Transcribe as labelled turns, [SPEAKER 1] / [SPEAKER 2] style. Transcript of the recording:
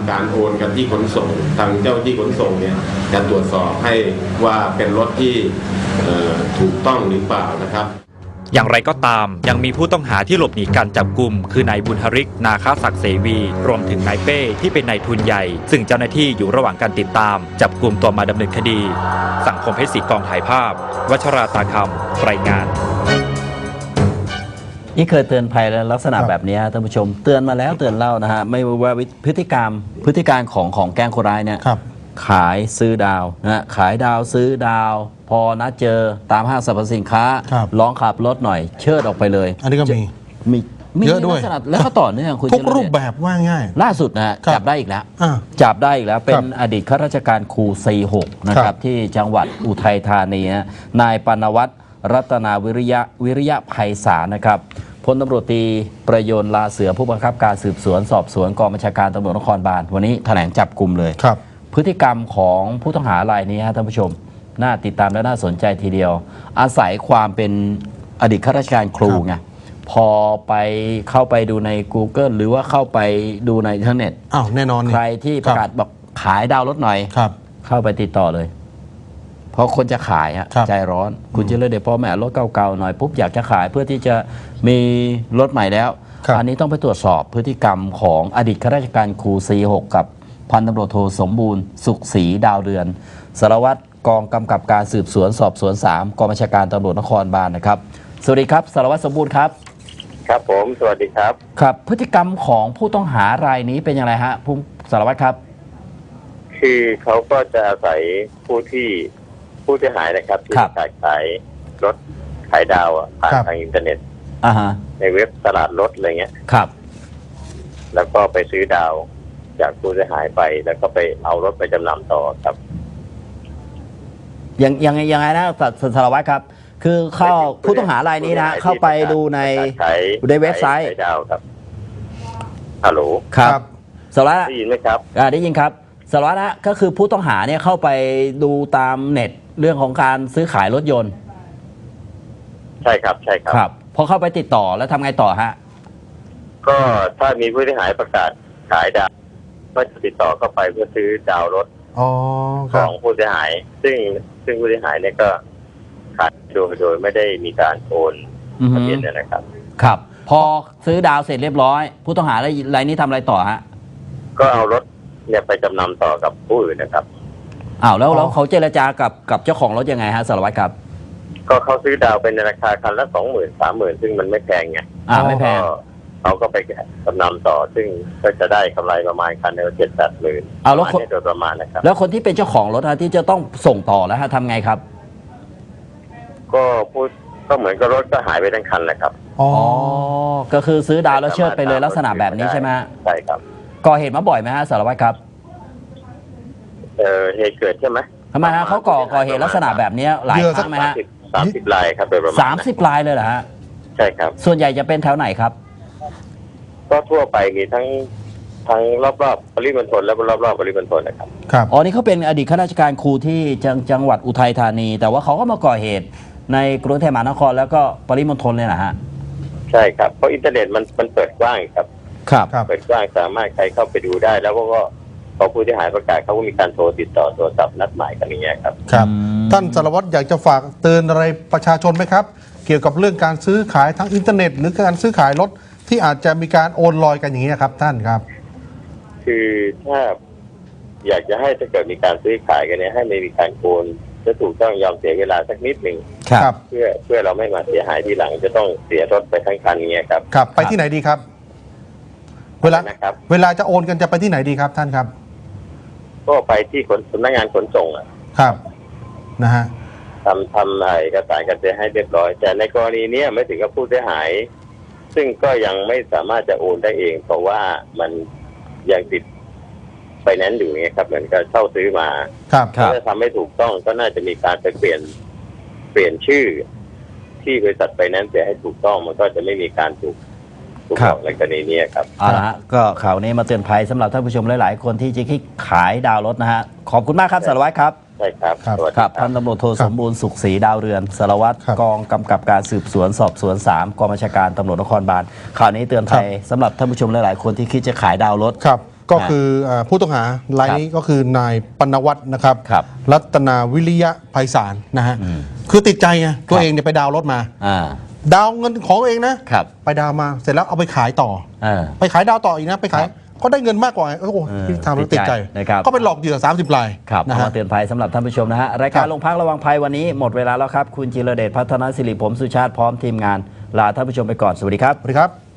[SPEAKER 1] ำการโอนกันที่ขนส่งทางเจ้าที่ขนส่งเนี่ยจะตรวจสอบให้ว่าเป็นรถที่ถูกต้องหรือเปล่านะครับ
[SPEAKER 2] อย่างไรก็ตามยังมีผู้ต้องหาที่หลบหนีการจับกุมคือนายบุญฮริกนาคาศักดิ์เสวีรวมถึงนายเป้ที่เป็นนายทุนใหญ่ซึ่งเจ้าหน้าที่อยู่ระหว่างการติดตามจับกุมตัวมาดำเนินคดีสังคมเพชรศรีกองถ่ายภาพวัชราตาคำรายงาน
[SPEAKER 3] นี่เคยเตือนภัยแล้วลักษณะแบบนี้ท่านผู้ชมเตือนมาแล้วเตือนเล่านะฮะไม่ว่าพฤติการของแก๊งคนร้ายเนี่ยขายซื้อดาวนะขายดาวซื้อดาวพอนัดเจอตามห้างสรรพสินค้าร้องขับรถหน่อยเชิดออกไปเลย
[SPEAKER 4] อันนี้ก็มีเยอะด้วย
[SPEAKER 3] แล้วก็ต่อเนื่องคุณ
[SPEAKER 4] ทุกรูปแบบว่าง่าย
[SPEAKER 3] ล่าสุดนะจับได้อีกแล้วเป็นอดีตข้าราชการครู46นะครับที่จังหวัดอุทัยธานีนายปานวัฒน์รัตนาวิริยะไพศาลนะครับพลตำรวจตรีประยนต์ลาเสือผู้บังคับการสืบสวนสอบสวนกองบัญชาการตำรวจนครบาลวันนี้แถลงจับกลุ่มเลยพฤติกรรมของผู้ต้องหารายนี้ท่านผู้ชมน่าติดตามและน่าสนใจทีเดียวอาศัยความเป็นอดีตข้าราชการครูไงพอเข้าไปดูใน Google หรือว่าเข้าไปดูในอินเทอร์เน็ต
[SPEAKER 4] แน่นอน
[SPEAKER 3] ใครที่ประกาศบอกขายดาวรถหน่อยเข้าไปติดต่อเลยเพราะคนจะขายใจร้อนคุณจะเลยเดี๋ยวพ่อแม่รถเก่าๆหน่อยปุ๊บอยากจะขายเพื่อที่จะมีรถใหม่แล้วอันนี้ต้องไปตรวจสอบพฤติกรรมของอดีตข้าราชการครู46กับพันตำรวจโทสมบูรณ์สุขศรีดาวเรือนสารวัตรกองกำกับการสืบสวนสอบสวน3กองบัญชาการตำรวจนครบาลนะครับสวัสดีครับสารวัตรสมบูรณ์ครับ
[SPEAKER 5] ครับผมสวัสดีครับ
[SPEAKER 3] ครับพฤติกรรมของผู้ต้องหารายนี้เป็นอย่างไรฮะผู้สารวัตรครับ
[SPEAKER 5] คือเขาก็จะอาศัยผู้เสียหายนะครับที่ขายรถขายดาวผ่านทางอินเทอร์เน็ตในเว็บตลาดรถอะไรเงี้ย
[SPEAKER 3] ครับ
[SPEAKER 5] แล้วก็ไปซื้อดาวจากผู้เสียหายไปแล้วก็ไปเอารถไปจำนำต่อครับ
[SPEAKER 3] ยังไงนะสารวัตรครับคือผู้ต้องหารายนี้นะเข้าไปดูในเว็บไซต์
[SPEAKER 5] ดาวครับฮัลโหล
[SPEAKER 3] ครับสารวัตร
[SPEAKER 5] ได้ยินไหมครับ
[SPEAKER 3] ได้ยินครับสารวัตรนะก็คือผู้ต้องหาเนี่ยเข้าไปดูตามเน็ตเรื่องของการซื้อขายรถยนต์
[SPEAKER 5] ใช่ครับ
[SPEAKER 3] ครับพอเข้าไปติดต่อแล้วทำไงต่อฮะ
[SPEAKER 5] ก็ถ้ามีผู้เสียหายประกาศขายดาวก็จะติดต่อเข้าไปเพื่อซื้อดาวรถของผู้เสียหายซึ่งผู้เสียหายเนี่ยก็ขายโดยไม่ได้มีการโอนทะเบียนนะครับ
[SPEAKER 3] ครับพอซื้อดาวเสร็จเรียบร้อยผู้ต้องหารายนี้ทำอะไรต่อฮะ
[SPEAKER 5] ก็เอารถเนี่ยไปจำนำต่อกับผู้อื่นนะครับ
[SPEAKER 3] แล้วเขาเจรจากับเจ้าของรถยังไงฮะสารวัตรครับ
[SPEAKER 5] ก็เขาซื้อดาวเป็นราคาคันละ20,000-30,000ซึ่งมันไม่แพงไง
[SPEAKER 3] ไม่แพง
[SPEAKER 5] เขาก็ไปจำนำต่อซึ่งก็จะได้กำไรประมาณคันละ7-8 หมื่น
[SPEAKER 3] แล้ว
[SPEAKER 5] โดยประมาณนะครับ
[SPEAKER 3] แล้วคนที่เป็นเจ้าของรถที่จะต้องส่งต่อแล้วทำไงครับ
[SPEAKER 5] ก็เหมือนกับรถก็หายไปทั้งคันแหละครับ
[SPEAKER 3] ก็คือซื้อดาวแล้วเชิดไปเลยลักษณะแบบนี้ใช่ไหม
[SPEAKER 5] ใช่ครับ
[SPEAKER 3] ก่อเหตุมาบ่อยไหมฮะสารวัตรครับ
[SPEAKER 5] เหตุเกิดใช่ไหม
[SPEAKER 3] ทำไมฮะเขาก่อเหตุลักษณะแบบนี้หลายครั้งไหมฮะ
[SPEAKER 5] 30 รายครับโดยประมาณ
[SPEAKER 3] 30 รายเลยเหรอฮะ
[SPEAKER 5] ใช่ครับ
[SPEAKER 3] ส่วนใหญ่จะเป็นแถวไหนครับ
[SPEAKER 5] ก็ทั่วไปมีทั้งรอบๆปริมณฑลและรอบๆปริมณฑลนะครับ
[SPEAKER 3] นี่เขาเป็นอดีตข้าราชการครูที่จังหวัดอุทัยธานีแต่ว่าเขาก็มาก่อเหตุในกรุงเทพมหานครแล้วก็ปริมณฑลเลยนะฮะ
[SPEAKER 5] ใช่ครับเพราะอินเทอร์เน็ตมันเปิดกว้างครับเปิดกว้างสามารถใครเข้าไปดูได้แล้วก็พอผู้ที่หายประกาศเขาก็มีการโทรติดต่อโทรศัพท์นัดหมายกันอย่างเงี้ยครับ
[SPEAKER 4] ท่านสารวัตรอยากจะฝากเตือนอะไรประชาชนไหมครับเกี่ยวกับเรื่องการซื้อขายทั้งอินเทอร์เน็ตหรือการซื้อขายรถที่อาจจะมีการโอนลอยกันอย่างนี้ครับท่านครับ
[SPEAKER 5] คือถ้าอยากจะให้ถ้าเกิดมีการซื้อขายกันเนี่ยให้ไม่มีการโอนจะถูกต้องยอมเสียเวลาสักนิดหนึ่งเพื่อเราไม่มาเสียหายทีหลังจะต้องเสียรถไปทั้งคันเงี้ยครับ
[SPEAKER 4] ไปที่ไหนดีครับเวลาจะโอนกันจะไปที่ไหนดีครับท่านครับ
[SPEAKER 5] ก็ไปที่สำนักงานขนส่ง
[SPEAKER 4] ครับนะฮะ
[SPEAKER 5] ทำเอกสารกันเสียให้เรียบร้อยแต่ในกรณีนี้ไม่ถึงกับผู้เสียหายซึ่งก็ยังไม่สามารถจะโอนได้เองเพราะว่ามันยังติดไฟแนนซ์อยู่ไงครับเหมือนกับเช่าซื้อมาถ้าทำไม่ถูกต้องก็น่าจะมีการไปเปลี่ยนชื่อที่บริษัทไฟแนนซ์เสียให้ถูกต้องมันก็จะไม่มีการถูกในกรณีนี้ครับ
[SPEAKER 3] ก็ข่าวนี้มาเตือนภัยสำหรับท่านผู้ชมหลายๆคนที่จะคิดขายดาวรถนะฮะขอบคุณมากครับสารวัตรครับ
[SPEAKER 5] ใช่ครับ
[SPEAKER 3] พันตำรวจโทสมบูรณ์สุขศรีดาวเรือนสารวัตรกองกำกับการสืบสวนสอบสวน3กองบัญชาการตำรวจนครบาลข่าวนี้เตือนภัยสำหรับท่านผู้ชมหลายๆคนที่คิดจะขายดาวรถ
[SPEAKER 4] ก็คือผู้ต้องหารายนี้ก็คือนายปณวัฒน์นะครับ
[SPEAKER 3] ครับ
[SPEAKER 4] รัตนาวิริยะไพศาลนะฮะคือติดใจไงตัวเองเนี่ยไปดาวน์รถมา ดาวน์เงินของตัวเองนะครับ ไปดาวน์มาเสร็จแล้วเอาไปขายต่อ ไปขายดาวต่ออีกนะไปขายก็ได้เงินมากกว่าโอ้โหทำแล้วติดใจ
[SPEAKER 3] นะครับ
[SPEAKER 4] ก็ไปหลอกเหยื่อ30 ราย
[SPEAKER 3] ครับ
[SPEAKER 4] นะ
[SPEAKER 3] เอา
[SPEAKER 4] ฮะ
[SPEAKER 3] มาเตือนภัยสำหรับท่านผู้ชมนะฮะรายการ
[SPEAKER 4] ครับ
[SPEAKER 3] โรงพักระวังภัยวันนี้หมดเวลาแล้วครับ คุณจิรเดชพัฒนศิริผมสุชาติพร้อมทีมงานลาท่านผู้ชมไปก่อนสวัสดีครับ
[SPEAKER 4] สวัสดีครับ